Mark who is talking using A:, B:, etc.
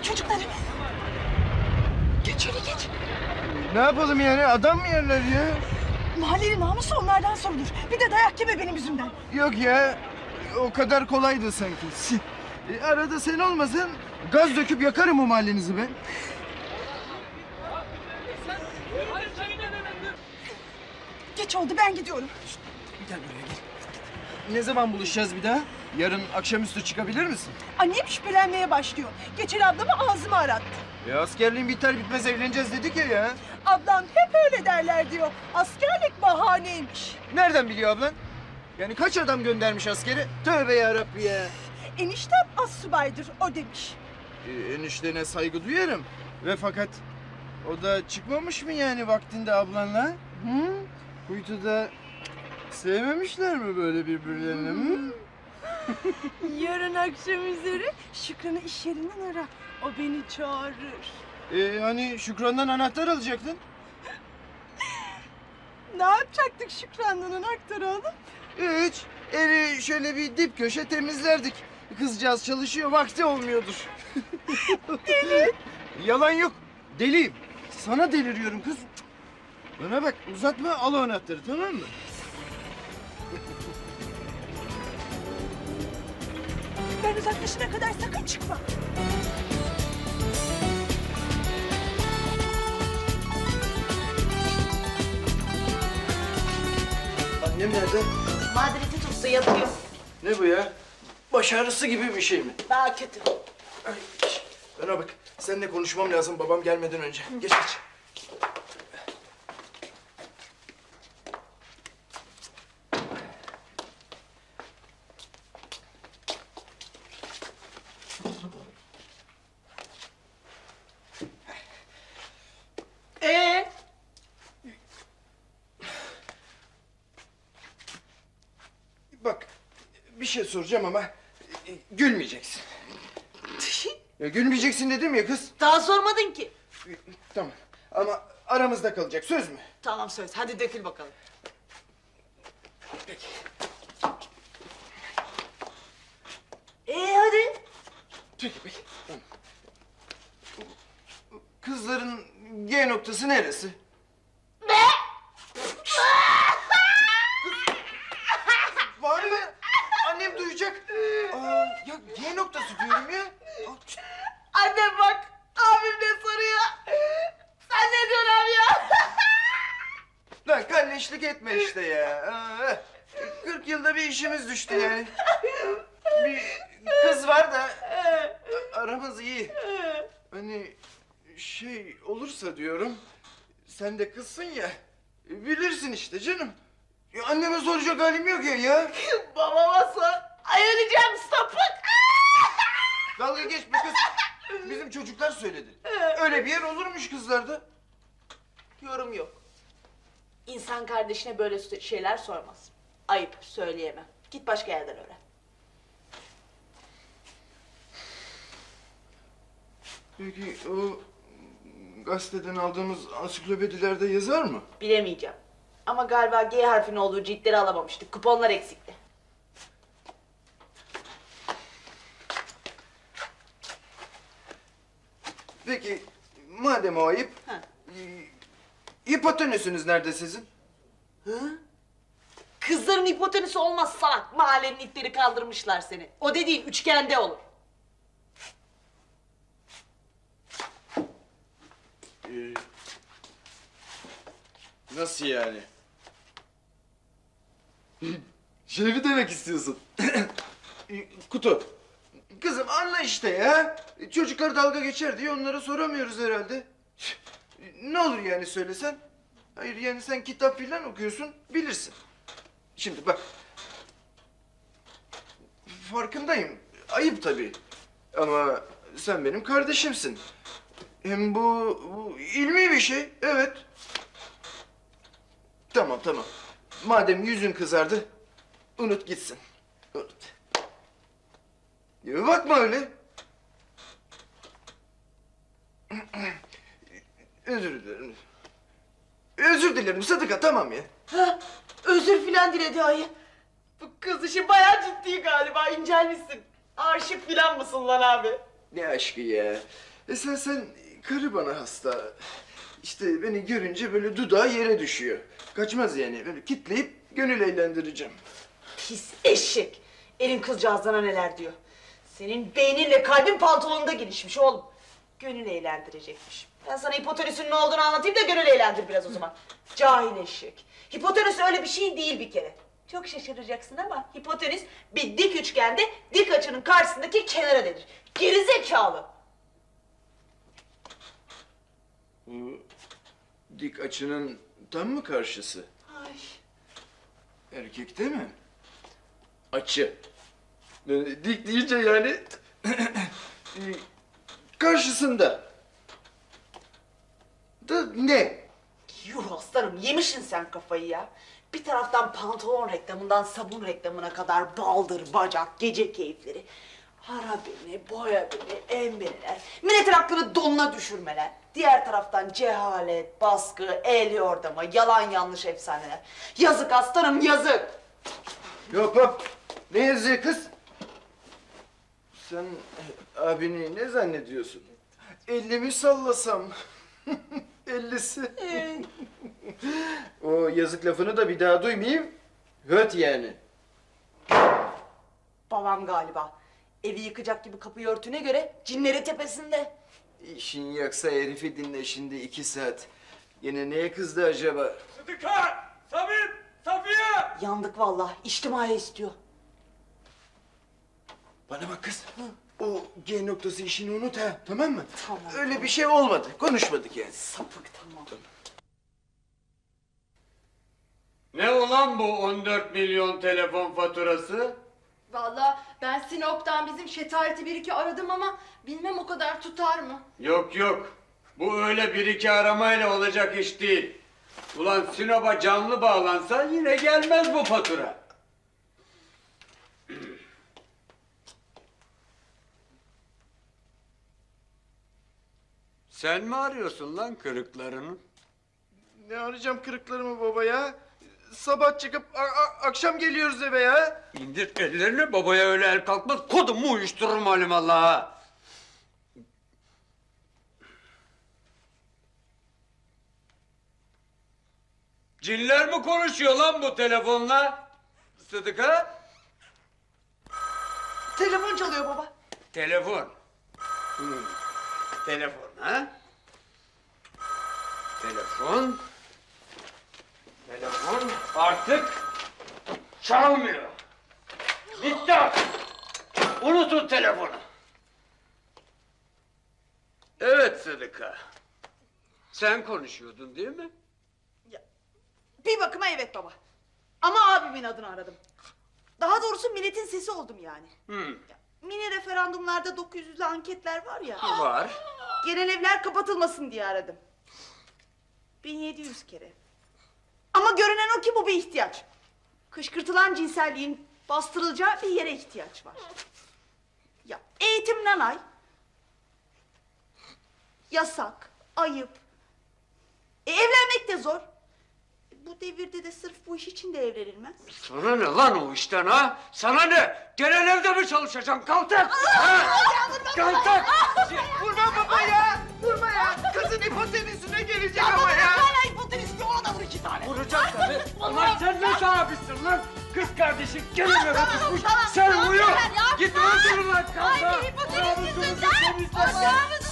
A: çocukları. Geç öyle geç.
B: Ne yapalım yani? Adam mı yerler ya?
A: Mahallenin namusu onlardan sorulur. Bir de dayak yeme benim yüzümden.
B: Yok ya. O kadar kolaydı sanki. Arada sen olmasan gaz döküp yakarım o mahallenizi ben.
A: Geç oldu ben gidiyorum.
B: Gel buraya gel. Ne zaman buluşacağız bir daha? Yarın akşamüstü çıkabilir misin?
A: Annem şüphelenmeye başlıyor. Geçen ablamı ağzımı arattı.
B: Askerliğin biter bitmez evleneceğiz dedik ya.
A: Ablam hep öyle derler diyor. Askerlik bahaneymiş.
B: Nereden biliyor ablan? Yani kaç adam göndermiş askeri? Tövbe yarabbi ya.
A: Eniştem astsubaydır o demiş.
B: Eniştene saygı duyarım. Ve fakat o da çıkmamış mı yani vaktinde ablanla? Hı? Kuytuda sevmemişler mi böyle birbirlerini? Hı?
A: Yarın akşam üzeri Şükran'ı iş yerinden ara. O beni çağırır.
B: Hani Şükran'dan anahtar alacaktın?
A: Ne yapacaktık Şükran'dan anahtarı alıp?
B: Hiç. Evi şöyle bir dip köşe temizlerdik. Kızcağız çalışıyor, vakti olmuyordur. Deli. Yalan yok. Deliyim. Sana deliriyorum kız. Bana bak, uzatma, al o anahtarı, tamam mı?
A: Ben uzaklaşana kadar sakın çıkma.
B: Annem nerede?
C: Madridi tutsa yatıyor.
B: Ne bu ya? Baş ağrısı gibi bir şey mi?
C: Daha kötü.
B: Ay, bana bak, seninle konuşmam lazım babam gelmeden önce. Geç geç. Bak, bir şey soracağım ama gülmeyeceksin. Gülmeyeceksin dedim ya kız.
C: Daha sormadın ki.
B: Tamam ama aramızda kalacak, söz mü?
C: Tamam söz. Hadi dökül bakalım.
B: Peki.
C: Hadi.
B: Peki peki. Tamam. Kızların G noktası neresi?
C: Ne?
B: Var mı? Annem duyacak. Ya G noktası diyorum ya.
C: Annem bak. Abim ne soruyor? Sen ne diyorsun abi ya?
B: Lan kalleşlik etme işte ya. 40 yılda bir işimiz düştü yani. Bir kız var da aramız iyi. Hani şey olursa diyorum, sen de kızsın ya, bilirsin işte canım. Ya anneme soracak halim yok ya.
C: Babama sor. Ay öleceğim sapık.
B: Dalga geçme kız. Bizim çocuklar söyledi. Öyle bir yer olurmuş kızlarda.
C: Yorum yok. İnsan kardeşine böyle şeyler sormaz. Ayıp, söyleyemem. Git başka yerden öğren.
B: Peki o gazeteden aldığımız ansiklopedilerde yazar mı?
C: Bilemeyeceğim. Ama galiba G harfinin olduğu ciltleri alamamıştık. Kuponlar eksikti.
B: Peki madem o ayıp,
C: Ha.
B: hipotenüsünüz nerede sizin?
C: Kızların hipotenüsü olmaz salak. Mahallenin itleri kaldırmışlar seni. O dediğin üçgende olur.
B: Nasıl yani? Şey mi demek istiyorsun? Kutu. Kızım anla işte ya. Çocuklar dalga geçer diye onlara soramıyoruz herhalde. Ne olur yani söylesen? Hayır yani sen kitap filan okuyorsun, bilirsin. Şimdi bak. Farkındayım. Ayıp tabii. Ama sen benim kardeşimsin. Hem bu ilmi bir şey, evet. Tamam tamam. Madem yüzün kızardı, unut gitsin. Unut. Ya bakma öyle. Özür dilerim. Özür dilerim Sadıka, tamam ya.
C: Ha, özür filan diledi ayı. Bu kız işi bayağı ciddi galiba. İncelmişsin. Aşık filan mısın lan abi?
B: Ne aşkı ya. Esasen karı bana hasta. İşte beni görünce böyle dudağı yere düşüyor. Kaçmaz yani. Böyle kitleyip gönül eğlendireceğim.
C: Pis eşek. Elin kızcağızlarına neler diyor. Senin beyninle kalbin pantolonunda gelişmiş oğlum. Gönül eğlendirecekmiş. Ben sana hipotenüsün ne olduğunu anlatayım da gönül eğlendir biraz o zaman. Cahil eşek. Hipotenüs öyle bir şey değil bir kere. Çok şaşıracaksın ama hipotenüs bir dik üçgende dik açının karşısındaki kenara denir. Gerizekalı.
B: Bu dik açının tam mı karşısı?
C: Ay.
B: Erkekte mi? Açı. Dik deyince yani karşısında. Da ne?
C: Yuh aslanım yemişsin sen kafayı ya. Bir taraftan pantolon reklamından sabun reklamına kadar baldır, bacak, gece keyifleri. Ara beni, boya beni, embeler, milletin aklını donuna düşürmeler. Diğer taraftan cehalet, baskı, el yordama, yalan yanlış efsaneler. Yazık aslanım yazık.
B: Yok hop. Ne yazıyor kız? Sen abini ne zannediyorsun? 50'mi sallasam. 50'si. O yazık lafını da bir daha duymayayım. Höt yani.
C: Babam galiba. Evi yıkacak gibi kapıyı örtüne göre cinleri tepesinde.
B: İşin yoksa herifi dinle şimdi 2 saat. Yine neye kızdı acaba?
D: Sıdıka! Samim! Safiye!
C: Yandık vallahi. İçtimai istiyor.
B: Bana bak kız. O G noktası işini unut ha, tamam mı?
C: Tamam.
B: Öyle bir şey olmadı. Konuşmadık yani.
C: Sapık tamam.
D: Ne ulan bu 14 milyon telefon faturası?
A: Vallahi ben Sinop'tan bizim şetareti bir iki aradım ama bilmem o kadar tutar mı?
D: Yok yok. Bu öyle bir iki aramayla olacak iş değil. Ulan Sinop'a canlı bağlansa yine gelmez bu fatura. Sen mi arıyorsun lan kırıklarını?
B: Ne arayacağım kırıklarımı baba ya? Sabah çıkıp akşam geliyoruz eve ya.
D: İndir ellerini, babaya öyle el kalkmaz. Kodumu uyuştururum alimallah. Cinler mi konuşuyor lan bu telefonla? Sıdıka?
C: Telefon çalıyor baba.
D: Telefon. Telefon ha? Telefon. Telefon artık çalmıyor. Bitti artık. Unutun telefonu. Evet Sıdıka. Sen konuşuyordun değil mi?
C: Bir bakıma evet baba. Ama abimin adını aradım. Daha doğrusu milletin sesi oldum yani. Mini referandumlarda 900'lü anketler var ya.
D: Var.
C: Genel evler kapatılmasın diye aradım. 1700 kere. Ama görünen o ki bu bir ihtiyaç. Kışkırtılan cinselliğin bastırılacağı bir yere ihtiyaç var. Ya eğitim nanay. Yasak, ayıp. Evlenmek de zor. Bu devirde de sırf bu iş için de evlenilmez.
D: Sana ne lan o işten ha? Sana ne? Genel evde mi çalışacaksın? Kaltak! Kaltak!
B: Vurma baba ya! Vurma ya! Kızın hipotenüsüne gelecek ama ya!
C: Hala hipotenüs bir ona da vur 2 tane.
D: Vuracak tabii. Ulan sen ne sahibisin lan? Kız kardeşin gelin eve tutmuş.
C: tamam,
D: Sen
C: tamam,
D: uyu.
C: yeter ya.
D: Git öldür lan kaltak.
C: Ay, hipotenüs yüzünden.
D: Namusumuzu temizle.